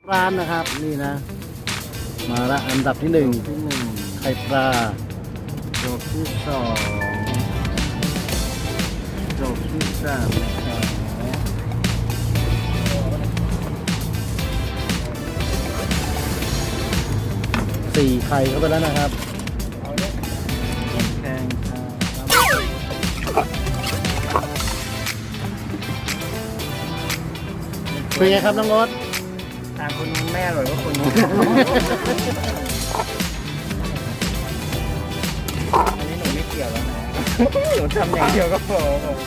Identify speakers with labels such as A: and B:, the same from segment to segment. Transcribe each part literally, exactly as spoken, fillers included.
A: ร้านนะครับนี่นะมาละอันดับที่หนึ่งที่หนึ่งไข่ปลาโจบที่สองโจบที่สามนะครับสี่ไข่เข้าไปแล้วนะครับแข่งเป็นไงครับน้องรถ
B: ทางคนนู้นแม่อร่อยกว่าคนนู้นอันนี้หนูไม่เกี่ยวแล้วนะหนูทำอย่างเดียวก็พอ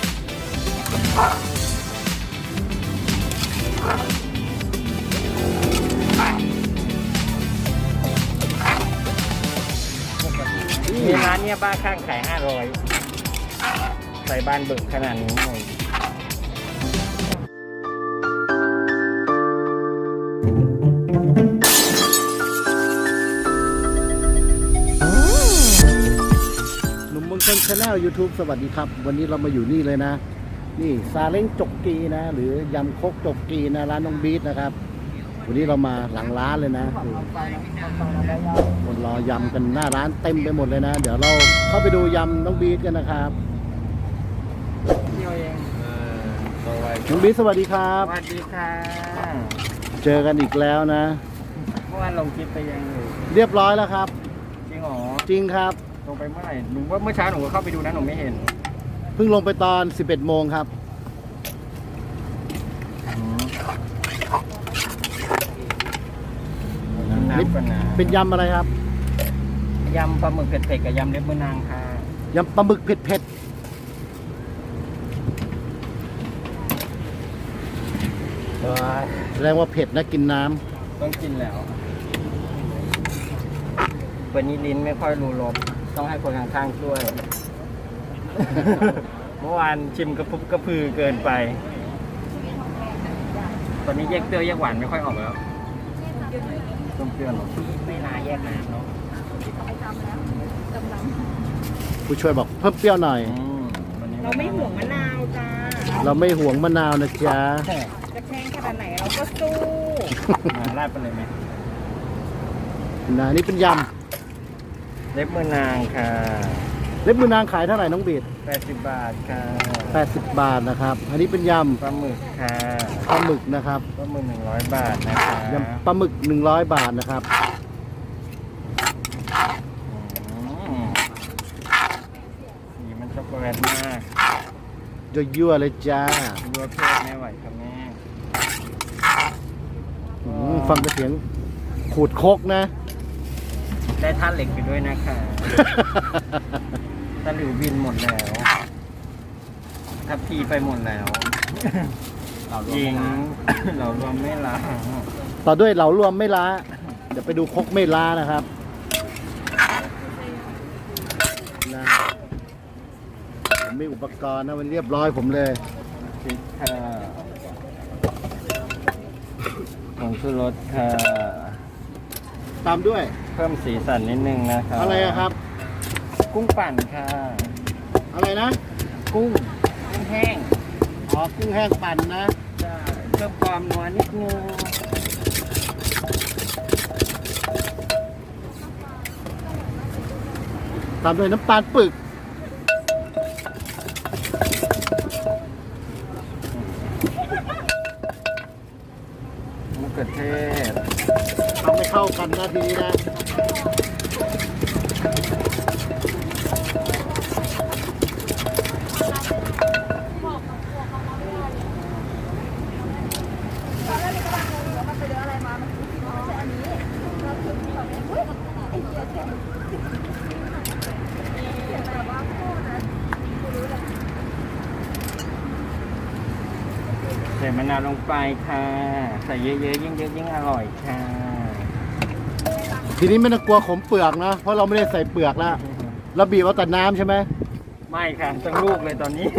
B: มีร้านเนี้ยบ้าข้างขายห้าร้อยใส่บ้านเบิกขนาดนี้เลย
A: ชาแนล ยูทูบ สวัสดีครับวันนี้เรามาอยู่นี่เลยนะนี่ซาเล้งจกกีนะหรือยำคกจกกีนะร้านน้องบีทนะครับวันนี้เรามาหลังร้านเลยนะคนรอยำกันหน้าร้านเต็มไปหมดเลยนะเดี๋ยวเราเข้าไปดูยำน้องบีทกันนะครับน้องบีทสวัสดีครับ
B: สวัสดีค่ะ
A: เจอกันอีกแล้วนะ
B: เมื่อวานลงคลิปไปยังอยู่
A: เรียบร้อยแล้วครับ
B: จริงหรอ
A: จริงครับ
B: ลงไปเมื่อไหร่หนูว่าเมื่อเช้าหนูก็เข้าไปดูนะหนูไม่เห็น
A: เพิ่งลงไปตอน สิบเอ็ดโมงครับเป็นยำอะไรครับ
B: ยำปลาหมึกเผ็ดๆกับยำเล็บมือนางค่ะ
A: ยำปลาหมึกเผ็ดๆแสดงว่าเผ็ดนะกินน้
B: ำต้องกินแล้ววันนี้ลิ้นไม่ค่อยรู้รสต้องให้คนข้างๆช่วย เมื่อวานชิมกระพุบกระพือเกินไปตอนนี้แยกเปรี้ยวแยกหวานไม่ค่อยออกแล้วต้มเปรี้ยวหรอไม่น่าแยกน้ำเนาะ
A: ผู้ช่วยบอกเพิ่มเปรี้ยวหน่อย
C: เราไม่ห่วงมะนาวจ้า
A: เราไม่ห่วงมะนาวนะจ๊ะ
C: จะแพงขนาดไหนเราก็สู้
B: ราดไปเลยไหม
A: นะนี่เป็นยำ
B: เล็บมือนางค่ะ
A: เล็บมือนางขายเท่าไหร่น้องบีด
B: แปดสิบบาทค่ะ
A: แปดสิบบาทนะครับอันนี้เป็นยำ
B: ปลาหมึกค่ะ
A: ปลาหมึกนะครับ
B: ปลาหมึกหนึ่งร้อยบาทนะคะ
A: ยำปลาหมึกหนึ่งร้อยบาทนะครับ
B: สีมันช็อกโกแลตมาก
A: ยั่วๆเลยจ้า
B: ยั่วเพศไม่ไหวค่ะแม่
A: ฟังเสียงขูดโคกนะ
B: ได้ท่าเหล็กไปด้วยนะคะตะหลิวบินหมดแล้วทัพพีไปหมดแล้วยิงเรารวมไม่ล้า
A: ต่อด้วยเหลารวมไม่ล้าเดี๋ยวไปดูคกไม่ล้านะครับนะผมมีอุปกรณ์นะมันเรียบร้อยผมเลย
B: พริกค่ะผงชูรสค่ะ
A: ตามด้วย
B: เพิ่มสีสันนิดนึงนะครับ
A: อะไรครับ
B: กุ้งปั่นค่ะ
A: อะไรนะ
B: กุ้งกุ้งแห้ง
A: อ๋อกุ้งแห้งปั่นนะ
B: จะเพิ่มความนัวนิดนึง
A: ตามด้วยน้ำตาลปึก
B: มะเขือเทศ
A: ทำให้เข้ากันนะทีนี้นะ
B: ใส่มะนาวลงไปค่ะใส่เยอะๆยิ่งเยอะยิ่งอร่อยค่ะ
A: ทีนี้ไม่ต้องกลัวขมเปลือกนะเพราะเราไม่ได้ใส่เปลือกแล้วเราบีบเอาแต่น้ำใช่ไหม
B: ไม่ค่ะทั้งลูกเลยตอนนี้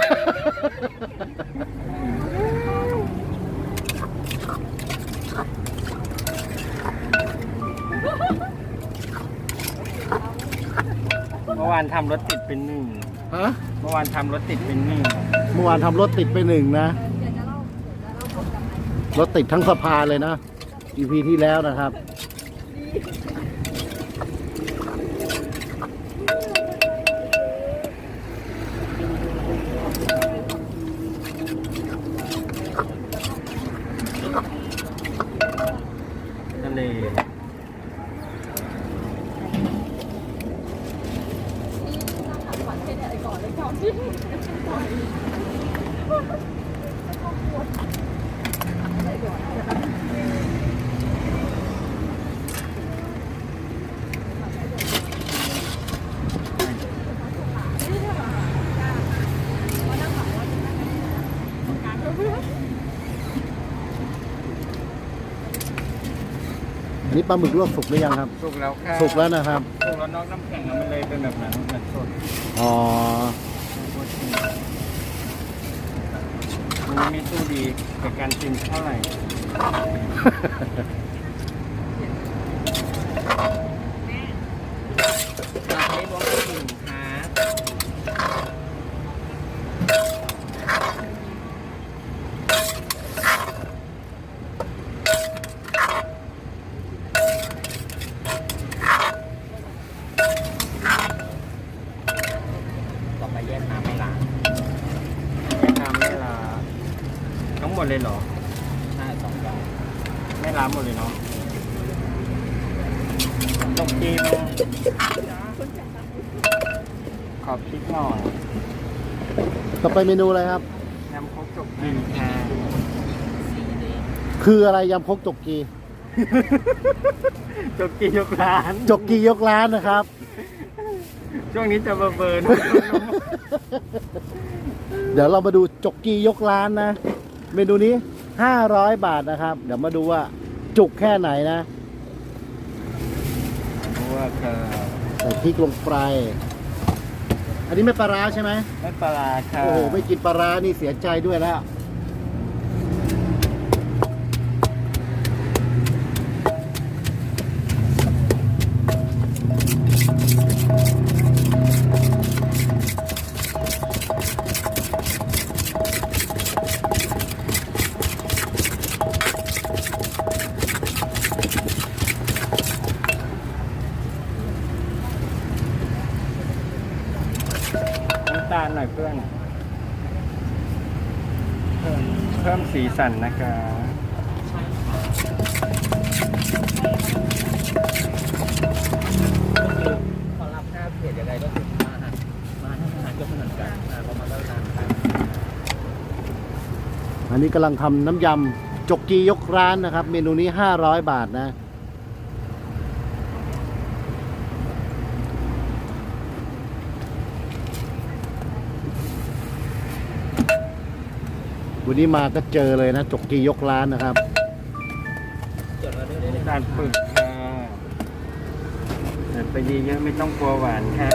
B: เมื่อวานทำรถติดเป็นหนึ่ง
A: ฮะ
B: เมื่อวานทำรถติดเป็นหนึ่ง
A: เมื่อวานทำรถติดไปหนึ่งนะรถติดทั้งสะพานเลยนะอี พี ที่แล้วนะครับ
B: ทะเล
A: อันนี้ปลาหมึกลวกสุกหรือยังครับ
B: สุกแล้วค่ะ
A: สุกแล้วนะครับ
B: สุกแล้วนอกน้ำแข็งมันเลยเป็นแบบนั้นเหมือนสด
A: อ๋อ
B: มันไม่สู้ดีกับการกินเท่าไหร่เราใช้บล็อกกิ่งครับต่อไปแยกน้ำไม่ล้างแยกน้ำไม่ล้างทั้งหมดเลยเหรอใช่สองอย่างไม่ล้างหมดเลยเนาะตกจีมขอบพริกหน่อย
A: ต่อไปเมนูอะไรครับ
B: น้ำครกจกจีค่ะ
A: คืออะไรยำครกจกกี
B: จกจียกร้าน
A: จกกียกร้านนะครับ
B: ช่วงนี้จะเบอร์เบิร์น
A: เดี๋ยวเรามาดูจกกียกร้านนะ เมนูนี้ห้าร้อยบาทนะครับ เดี๋ยวมาดูว่าจุกแค่ไหนนะ
B: ว่าค่ะ
A: ใส่พริกลงไป อันนี้ไม่ปลาร้าใช่ไหม
B: ไม่ปลาร้าค่ะ
A: โอ้โห ไม่กินปลาร้านี่เสียใจด้วยแล้ว
B: น้ำตาลหน่อยเพื่อนเพิ่มเพิ่มสีสันนะคะขอรับค่าเพจยังไงก็คือมาหันมาทำอาหารก็เหมือนกันเรามาแล้วนานกัน
A: อันนี้กำลังทำน้ำยำจกกียกร้านนะครับ เมนูนี้ห้าร้อยบาทนะ วันนี้มาก็เจอเลยนะ จกกียกร้านนะครับ
B: น้ำตาลปึกค่ะแต่ไปเยอะๆไม่ต้องกลัวหวานค่ะ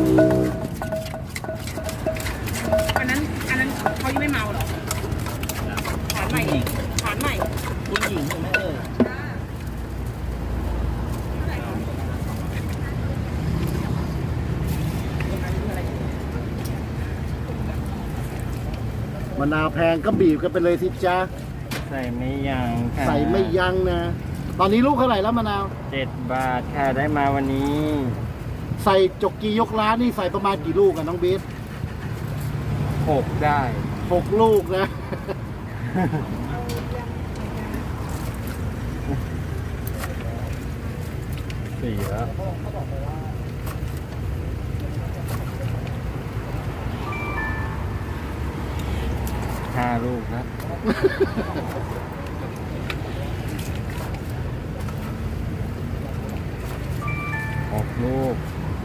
C: อันนั้นอันนั้นเขายังไม่เมาเหรอถามใหม่อีกถามใหม่
B: คุณหญิงใช่ไหมเอ่ย
A: มะนาวแพงก็บีบกันไปเลยสิจ้า
B: ใส่ไม่ยั้งค่ะ
A: ใส่ไม่ยั้งนะ ตอนนี้ลูกเท่าไหร่แล้วมะนาว
B: เจ็ดบาทค่ะได้มาวันนี้
A: ใส่จกกียกร้านนี่ใส่ประมาณกี่ลูกกันน้องเบส
B: หกได้
A: หกลูกนะ
B: สี่แล้วห้าลูกนะหกลูก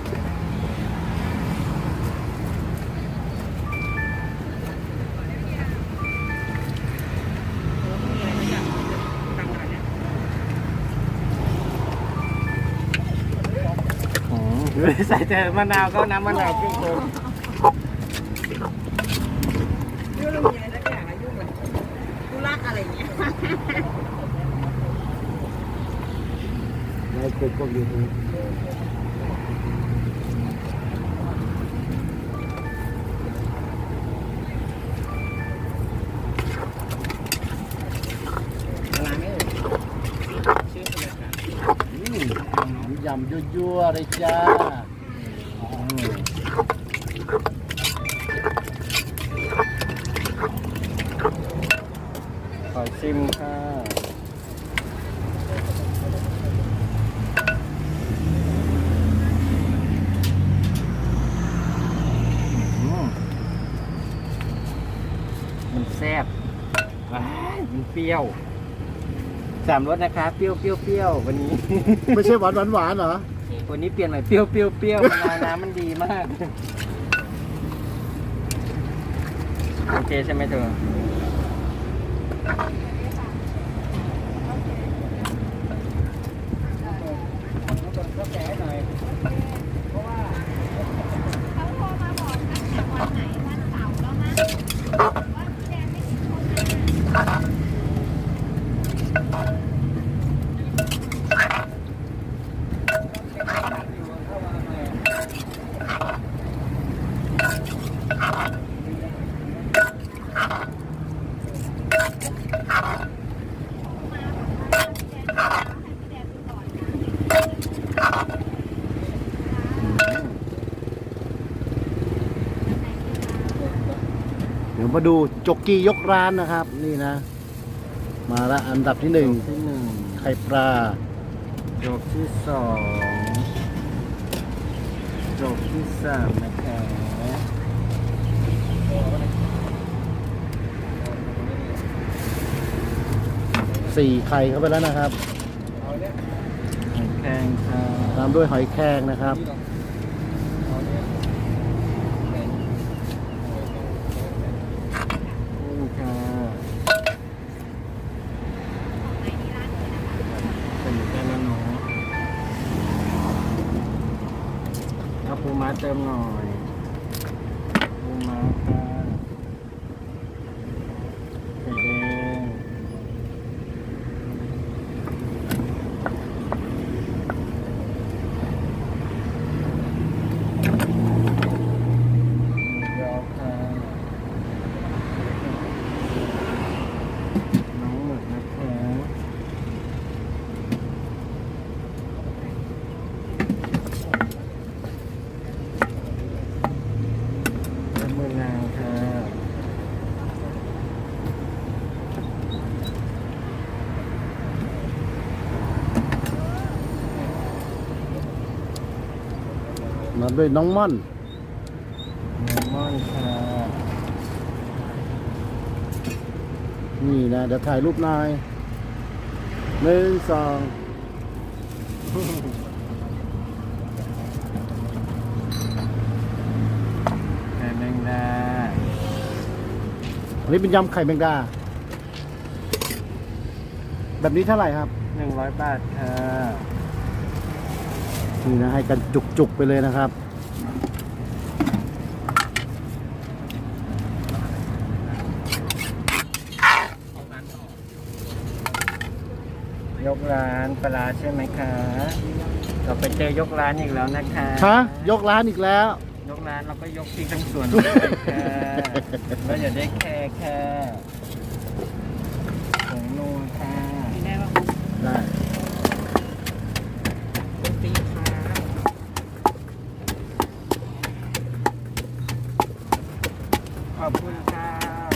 B: อืมใส่แต่มะนาวก็น้ำมะนาวครึ่งโคก
C: ยุ่งเรื่องมีอะไรสักอย่างอะยุ่งเลยกูรักอะไรอย่างเงี้ย
A: ไลฟ์คลิปพวกยูทูบ
B: มะนาวไม่เอ่ย
A: ยำยั่วๆเลยจ้า
B: ขอชิมค่ะอืมมันแซ่บว้ายมันเปรี้ยวสามรสนะคะ เปรี้ยวเปรี้ยวเปรี้ยววันนี้
A: ไม่ใช่หวานหวานหวานเหรอ
B: วันนี้เปลี่ยนใหม่เปรี้ยวเปรี้ยวเปรี้ยวมะนาวน้ำมันดีมาก โอเคใช่ไหมเธอ
C: เขาโทรมาบอกตั้งแต่วันไหนวันเสาร์แล้วนะว่าแดงไม่กินคนมา
A: เดี๋ยวมาดูจกกียกร้านนะครับ นี่นะ มาละอันดับที่หนึ่ง
B: ที่หนึ่ง
A: ไข่ปลา
B: จบที่สองจบที่สามนะคะ
A: สี่ไข่เข้าไปแล้วนะครับ
B: แพงค่ะ
A: ตามด้วยหอยแครงนะครับ
B: นี่ค่ะเป็นแค่แล้วเนาะเอาปูม้าเติมหน่อยปูม้าค่ะไข่แดงยอค่ะน้องหมึกนะคะน้ำมือนางค่ะ
A: มาด้วยน้องม่อน
B: เลมอนค่ะ
A: นี่นะ เดี๋ยวถ่ายรูปหน่อยหนึ่งสอง
B: ไข่แมงดา
A: อันนี้เป็นยำไข่แมงดา แบบนี้เท่าไหร่ครับ
B: หนึ่งร้อยบาทค่ะ
A: นี่นะให้กันจุกๆไปเลยนะครับ
B: ยกร้านปลาร้าใช่ไหมคะ เราไปเจอยกร้านอีกแล้วนะคะ
A: ฮะ ยกร้านอีกแล้ว
B: ยกร้านเราก็ยกทิ้งทั้งส่วนเลยค่ะแล้วอย่าได้แค่แค่ผงนัวค่ะ
C: ได้ป่ะ
A: ได้
C: ปีค่ะ
B: ขอบคุณค่ะ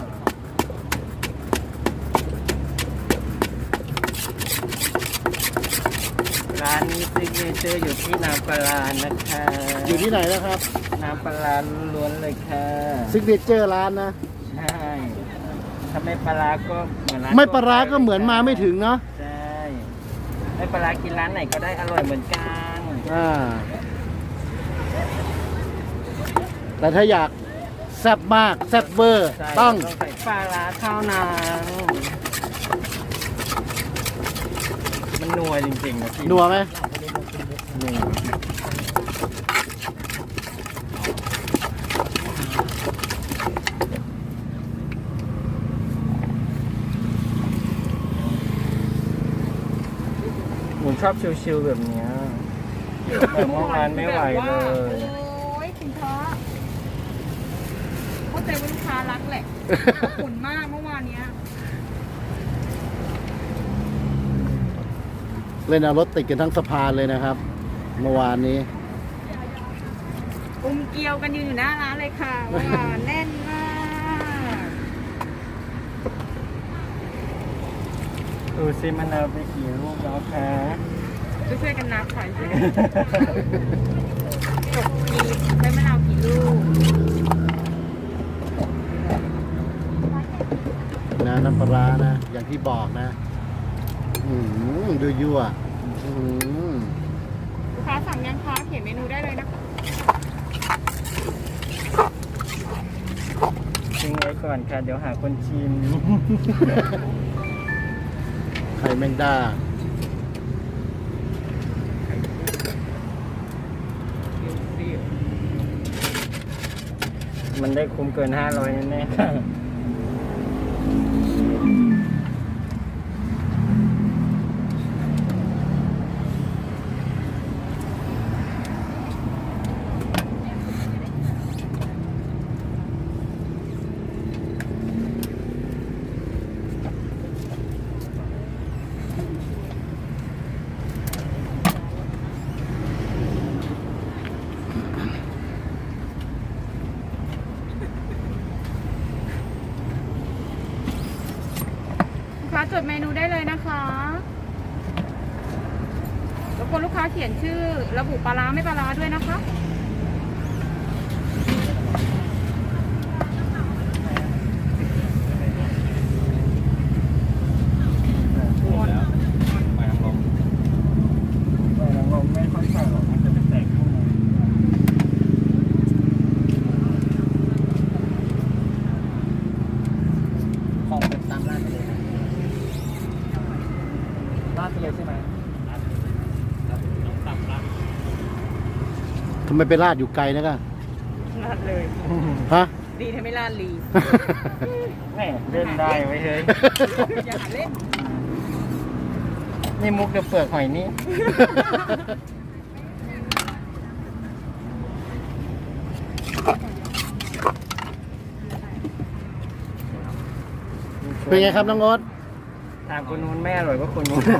B: ร้านนี้ซิกเนเจอร์อยู่ที่น้ำปลาร้านะคะ
A: อยู่ที่ไหนนะครับ
B: น้ำปลาร้าล้วนเลยค่ะ
A: ซิกเนเจอร์ร้านนะ
B: ใช่ถ้าไม่ปลาร้าก็เหมือนร้าน
A: ไม่ปลาร้า
B: ทั่วไป
A: ก็เหมือนมาไม่ถึงเนาะ
B: ใช่ไม่ปลาร้ากินร้านไหนก็ได้อร่อยเหมือนกัน
A: อ่า แต่ถ้าอยากแซ่บมากแซ่บเวอร์
B: ใช่
A: ต้อง
B: ต้องใส่ปลาร้าเท่านั้นมันนัวจริงๆนะพี่
A: นัวไหม
B: นัวผมชอบชิวๆแบบเนี้ยแต่เมื่อวานไม่ไหวเลย
C: โอ้ยคุณพ่อเข้าใจว่าลูกค้ารักแหละขนมากเมื่อวานเนี้ย
A: เล่นเอารถติดกันทั้งสะพานเลยนะครับเมื่อวานนี้
C: อุ้มเกลียวกันยืนอยู่หน้าร้านเลยค่ะว่าแน่นมาก
B: ดูซิมันเอาไปกี่ลูกแล้วคะ
C: ช่วยๆกันนับค่ะช่วยกันจบกีใช้มะนาวกี่ลูก
A: นะน้ำปลาร้านะ อย่างที่บอกนะ อืมดูยั่วอืม
C: ลูกค้าสั่งยังคะเขียนเมนูได้เลยนะคะ
B: ทิ้งไว้ก่อนค่ะ เดี๋ยวหาคนชิม
A: ไข่แมงดา
B: มันได้คุ้มเกินห้าร้อยแน่ๆค่ะ
C: ลูกค้าจดเมนูได้เลยนะคะรบกวนลูกค้าเขียนชื่อระบุปลาร้าไม่ปลาร้าด้วยนะคะ
B: หมดแล้วไปทางลมไปทางลมไม่ค่อยใส่หรอกมันจะเป็นแตกข้างในของเป็นตามร้านไปเลยนะร้านไปเลยใช่ไหมร้านต้องตามร้าน
A: ทำไมไปลาดอยู่ไกลนะกัน
C: ลาดเลย
A: ฮะ
C: ดีทำไม่ลาดลี
B: แม่เล่นได้ไว้เฮ้ย
C: อย่าหาเล่น
B: นี่มุกเดือเปลือกหอยนี่
A: เป็นไงครับน้องโอ๊ต
B: ถามคนนู้นแม่อร่อยกว่าคนนู้น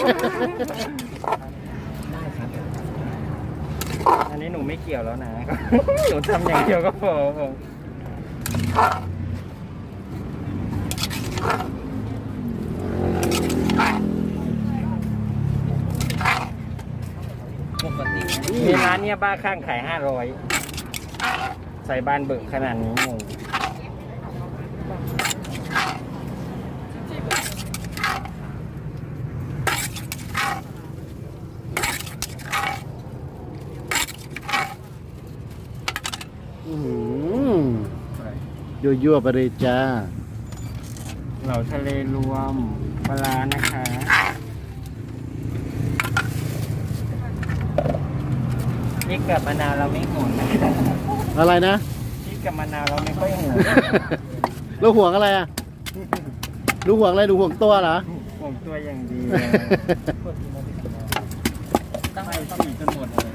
B: อันนี้หนูไม่เกี่ยวแล้วนะ หนูทำอย่างเดียวก็พอผม
C: ปกติ
B: มีร้านเนี้ยบ้าข้างขายห้าร้อยใส่บานเบิกขนาดนี้งง
A: อืมยั่วยั่วๆไปเลยจ้า
B: เหล่าทะเลรวมปลาร้านะคะพริกกับมะนาวเราไม่ห่วงนะ
A: อะไรนะ
B: พริกกับมะนาวเราไม่ค่อยห่วง
A: แล้วห่วงอะไรอ่ะดูห่วงอะไรดูห่วงตัวเหรอ
B: ห่วงตัวอย่างดีเลยตั้งไปสี่จนหมดเลย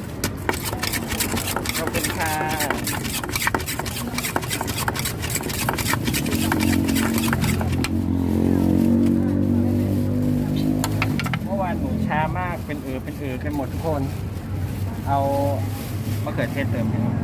B: ขอบคุณค่ะเมื่อวานหนูช้ามากเป็นเออเป็นเออกันหมดทุกคน เอามะเขือเทศเติมให้หน่อย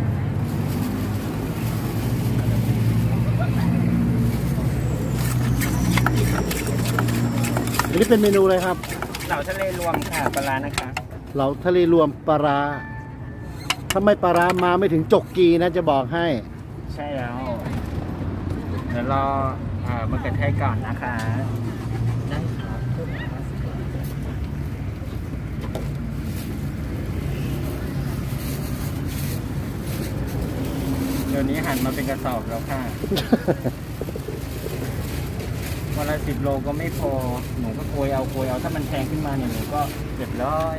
A: อันนี้เป็นเมนูอะไรครับ
B: เหล่าทะเลรวมค่ะปลาร้านะคะ
A: เหลาทะเลรวมปลาร้าถ้าไม่ปลาร้ามาไม่ถึงจกกีนะจะบอกให้
B: ใช่แล้ว เดี๋ยวรออ่ามะเขือเทศก่อนนะคะได้ครับเดี๋ยวนี้หันมาเป็นกระสอบแล้วค่ะ วันละสิบโลก็ไม่พอ หนูก็โกยเอาโกยเอาถ้ามันแพงขึ้นมาเนี่ยหนูก็เจ็ดร้อย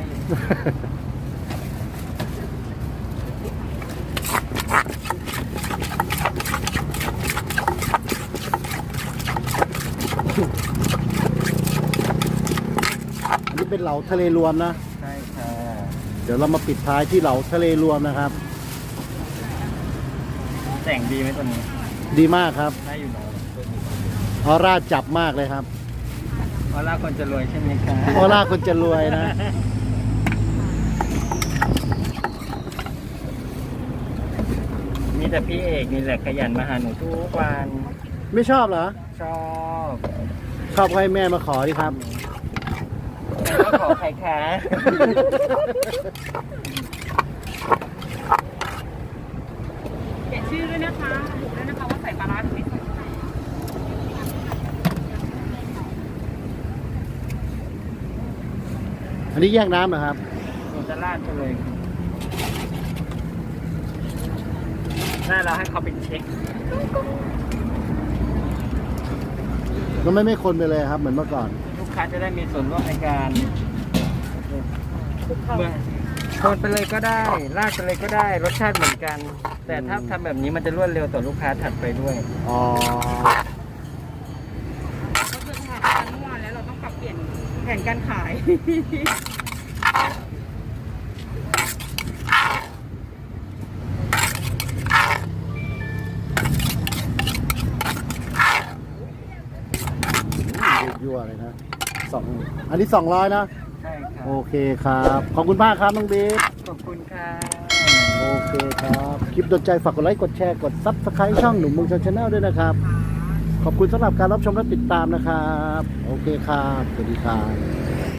A: อันนี้เป็นเหลาทะเลรวมนะ
B: ใช่ค่ะ
A: เดี๋ยวเรามาปิดท้ายที่เหลาทะเลรวมนะครับ
B: แต่งดีไหมตัวนี้
A: ดีมากครับ
B: ได้อยู่เนาะ
A: ออร่าจับมากเลยครับ
B: ออร่าคนจะรวยใช่ไหมคะ
A: ออร่าคนจะรวยนะ
B: มีแต่พี่เอกนี่แหละขยันมาหาหนูทุกวัน
A: ไม่ชอบเหรอ
B: ชอบ
A: ชอบให้แม่มาขอดิครับ
B: ก็ขอใครคะ
C: เขียนชื่อด้วยนะคะระบุด้วยนะคะว่าใส่ปลาร้าหรือไม่ใส่
A: อันนี้แยกน้ำเหรอครับ
B: หนูจะราดไปเลยหน้าเราให้เขาเป็นเช็ค
A: ก็ไม่ไม่คนไปเลยครับ เหมือนเมื่อก่อน
B: ลูกค้าจะได้มีส่วนร่วมในการเมื่อคนไปเลยก็ได้ราดไปเลยก็ได้ รสชาติเหมือนกัน แต่ถ้าทำแบบนี้มันจะรวดเร็วต่อลูกค้าถัดไปด้วย
A: อ๋อ
C: ก็คือถ่ายกันเมื่อวานแล้วเราต้องปรับเปลี่ยนแผนการขาย
A: ยั่วเลยนะสองอันนี้สองร้อยนะ
B: ใช่ครั
A: โอบ เคครับ ขอบคุณมากครับน้องบีท
B: ขอบคุณค่ะ
A: โอเคครับ คลิปโดนใจฝากกดไลค์ กดแชร์ กดซับสไครต์ช่องหนุ่มเมืองชนชาแนลด้วยนะครับ ขอบคุณสำหรับการรับชมและติดตามนะครับ โอเคครับ สวัสดีครับ